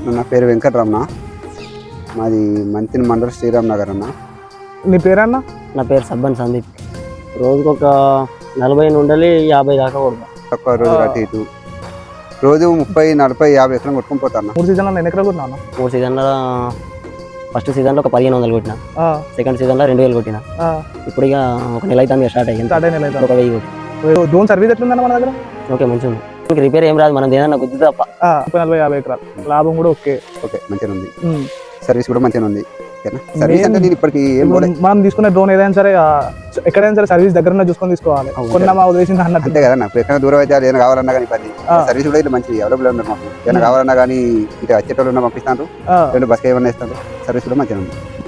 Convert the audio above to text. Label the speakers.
Speaker 1: నా పేరు వెంకటరమణ, మాది మంతిని మండల్ శ్రీరామ్ నగర్ అన్న.
Speaker 2: నీ పేరన్న?
Speaker 3: నా పేరు సబ్బన్ సందీప్. రోజుకు ఒక 40 నుండి 50 దాకా కొడతా.
Speaker 1: ఒక్క రోజు అటు ఇటు రోజు 30, 40, 50 ఎకరం కొట్టుకుని పోతాను.
Speaker 2: 3 సీజన్లో నేను ఎక్కడ కొట్టినా?
Speaker 3: 3 సీజన్లో ఫస్ట్ సీజన్లో ఒక 1500 కొట్టిన, సెకండ్ సీజన్లో 2000 కొట్టిన. ఇప్పుడు ఇక ఒక నెల అయితే స్టార్ట్ అయ్యింది, ఒక 1000 కొట్టి.
Speaker 2: డ్రోన్ సర్వీస్ ఎట్లుందన్న మన దగ్గర?
Speaker 3: ఓకే, మంచిగా ఉంది. ఇంక రిపేర్ ఏం రాదు, మనం ఏదన్నా గుద్దు తప్ప.
Speaker 2: 40-50 ఎకరాలు లాభం కూడా ఓకే
Speaker 1: మంచిగా ఉంది. సర్వీస్ కూడా మంచిగా ఉంది. సర్వీస్ అంటే నేను ఇప్పటికి
Speaker 2: మనం తీసుకునే డ్రోన్ ఏదైనా సరే ఎక్కడైనా సరే సర్వీస్ దగ్గర చూసుకొని తీసుకోవాలి. కొన్నా ఉద్దేశం అంతే
Speaker 1: కదా. నాకు ఎక్కడ దూరం అయితే ఏమైనా కావాలన్నా కానీ పది సర్వీస్ కూడా ఇట్లా మంచి అవైలబుల్ ఉన్నారు. మాకు ఏమైనా కావాలన్నా కానీ ఇటు వచ్చేటోళ్ళు పంపిస్తాను, 2 బస్కి ఏమన్నా ఇస్తాను. సర్వీస్ కూడా మంచిగా ఉంది.